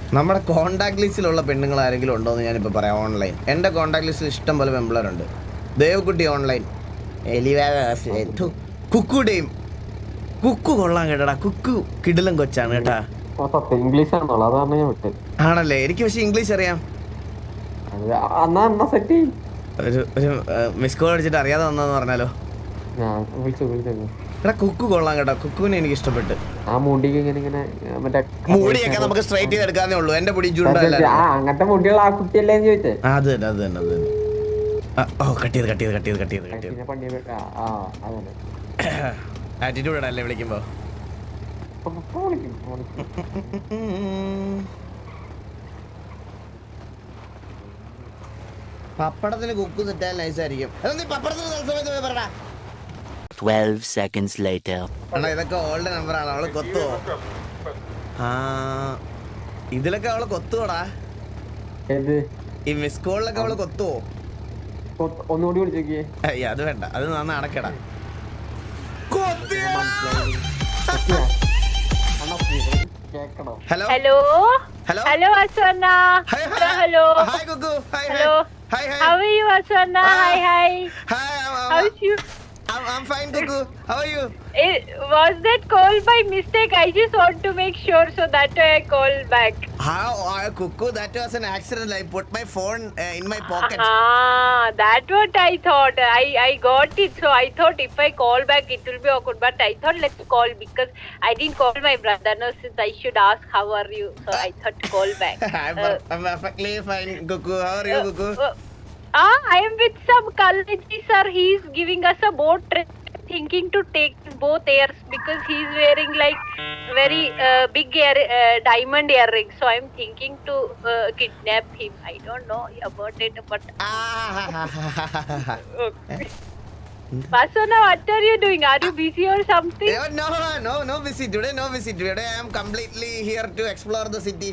നമ്മുടെ കോണ്ടാക്ട് ലിസ്റ്റിലുള്ള പെണ്ണുങ്ങൾ ആരെങ്കിലും ഉണ്ടോ എന്ന് ഞാനിപ്പോൾ പറയാം. ഓൺലൈൻ എൻ്റെ കോണ്ടാക്ട് ലിസ്റ്റിൽ ഇഷ്ടം പോലെ പെമ്പിളറുണ്ട്. ദേവക്കുട്ടി ഓൺലൈൻ, കുക്കുടെയും. കുക്കു കൊള്ളാൻ കേട്ടടാ. കുക്കു കിടിലം കൊച്ചാണ് കേട്ടാ. ഇംഗ്ലീഷ് ആണല്ലേ? എനിക്ക് പക്ഷെ ഇംഗ്ലീഷ് അറിയാം. ഒരു മിസ് കോൾ അടിച്ചിട്ട് അറിയാതെ വന്നതെന്ന് പറഞ്ഞാലോ. എടാ കുക്കു കൊള്ളാൻ കേട്ടോ. കുക്കുവിനെ എനിക്ക് ഇഷ്ടപ്പെട്ട്. മുടിയൊക്കെ നമുക്ക് സ്ട്രൈറ്റ് ചെയ്ത് എടുക്കാന്നേ ഉള്ളൂ. എന്റെ മുടി അങ്ങനത്തെ മുടിയുള്ള ആ കുട്ടിയല്ലേ ചോദിച്ചേ. അത് തന്നെ. ഓ കട്ട് ചെയ്ത് ആറ്റിറ്റ്യൂഡ് ഇടല്ലേ വിളിക്കുമ്പോ. പപ്പടത്തിന് കുക്കു തെറ്റാൽ നൈസായിരിക്കും. 12 seconds later. ഇതൊക്കെ ഓൾഡ് നമ്പറാണ്. അവള് കൊത്തുവോ? ഇതിലൊക്കെ അവള് കൊത്തുവോടാ. ഈ മിസ് കോളിലൊക്കെ അവള് കൊത്തുവോ? ഒന്നുകൂടി വിളിച്ചോക്കിയേ. അത് വേണ്ട, അത് നന്നാ അടക്കടാ. Hello hello hello hello Aswana. Hello hi Gugu. Hi how are you Aswana? Hi how's you? I'm fine Gugu. How are you? Was that call by mistake? I just want to make sure, so that way I call back. How Gugu, that was an accident. I put my phone in my pocket. That what I thought. I got it, so I thought if I call back it will be awkward, but I thought let's call because I didn't call my brother. No, since I should ask how are you, so I thought to call back. I'm perfectly fine Gugu. How are you Gugu? I am with some college sir. He's giving us a boat trip. Thinking to take both ears because he's wearing like very big diamond earrings. So I'm thinking to kidnap him. I don't know about it, but okay. Vasuna, what are you doing? Are you busy or something? No busy today. No busy today. I am completely here to explore the city.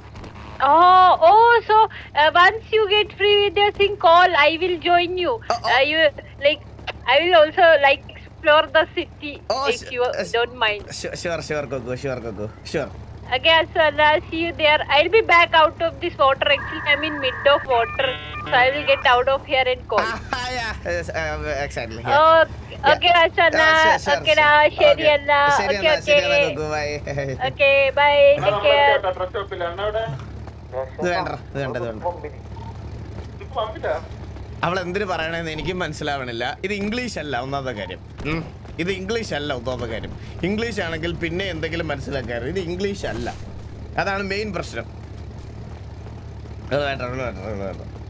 So once you get free with your thing, call. I will join you. You like I will also like explore the city if you don't mind. Sure Gugu. Sure. Okay, so I'll see you there. I'll be back out of this water. Actually, I'm in mid of water, so I will get out of here and call. Yeah, exactly. Yeah. Okay, Asana. Sure. Okay, na, Sheri Anna. Okay. Gugu, bye. Okay, bye. Take care. ഇത് വേണ്ട. അവൾ എന്തിനു പറയണെന്ന് എനിക്കും മനസ്സിലാവണില്ല. ഇത് English അല്ല ഒന്നാമത്തെ കാര്യം. ഇംഗ്ലീഷ് ആണെങ്കിൽ പിന്നെ എന്തെങ്കിലും മനസ്സിലാക്കാറ്. ഇത് ഇംഗ്ലീഷ് അല്ല, അതാണ് മെയിൻ പ്രശ്നം. അത് വേണ്ട.